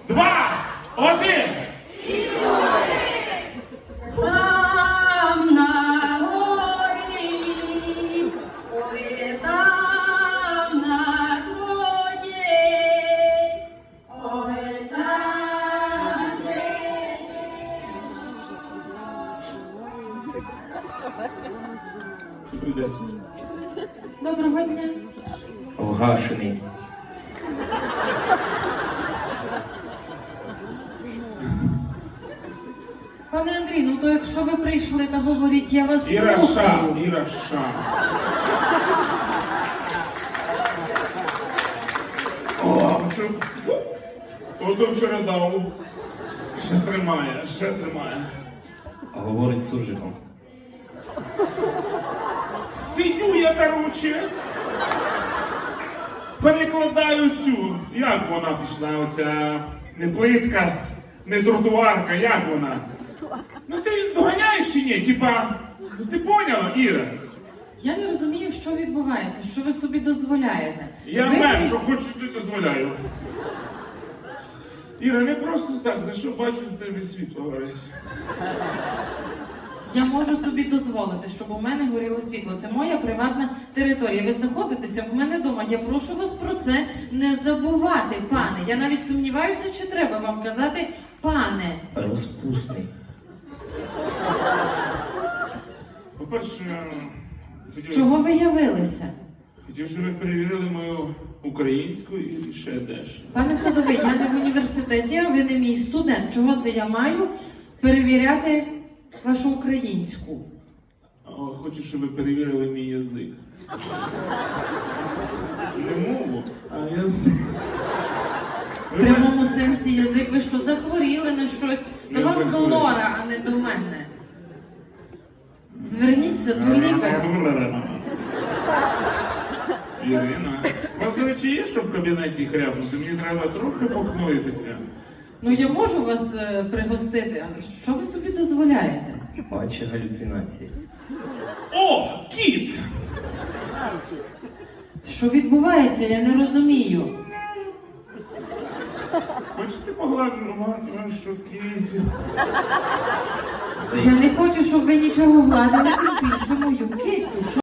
2, 1. Там на горі, ой, там на роді, ой, там Доброго дня. Вгашений. Пане Андрій, ну то якщо ви прийшли та говоріть, я вас Іра слухаю. Ша, Іра Ша. О, що? Ото вчора дав. Ще тримає, ще тримає. А говорить з суржиком. Сидю я, короче. Перекладаю цю. Як вона пішла, оця не плитка, не тротуарка, як вона? Ну ти доганяєш чи ні? Типа, ну ти поняла, Іра? Я не розумію, що відбувається, що ви собі дозволяєте. Я Ви- мер, що хочу, ти дозволяю. Іра, не просто так, за що бачу, в тебе світло горить. Я можу собі дозволити, щоб у мене горіло світло. Це моя приватна територія. Ви знаходитеся в мене вдома. Я прошу вас про це не забувати, пане. Я навіть сумніваюся, чи треба вам казати пане. Розпусний. По-перше, Чого ви явилися? хотів, щоб ви перевірили мою українську і ще дещо. Пане Садовий, я не в університеті, а ви не мій студент. Чого це я маю перевіряти вашу українську? Хочу, щоб ви перевірили мій язик. Не мову, а язик. В прямому сенсі язик, ви що, захворіли на щось? То Я вам до захворів. Лора, а не до мене. Зверніться до лікаря. Ірина, у вас, до речі, є що в кабінеті хряпнути? Мені треба трохи похмуритися. Ну я можу вас пригостити, але що ви собі дозволяєте? Бачить галюцинації. О, кіт! Що відбувається, я не розумію. Хочете погладжувати вашу кітю? Я не хочу, щоб ви нічого гладили, тим більше мою кицю.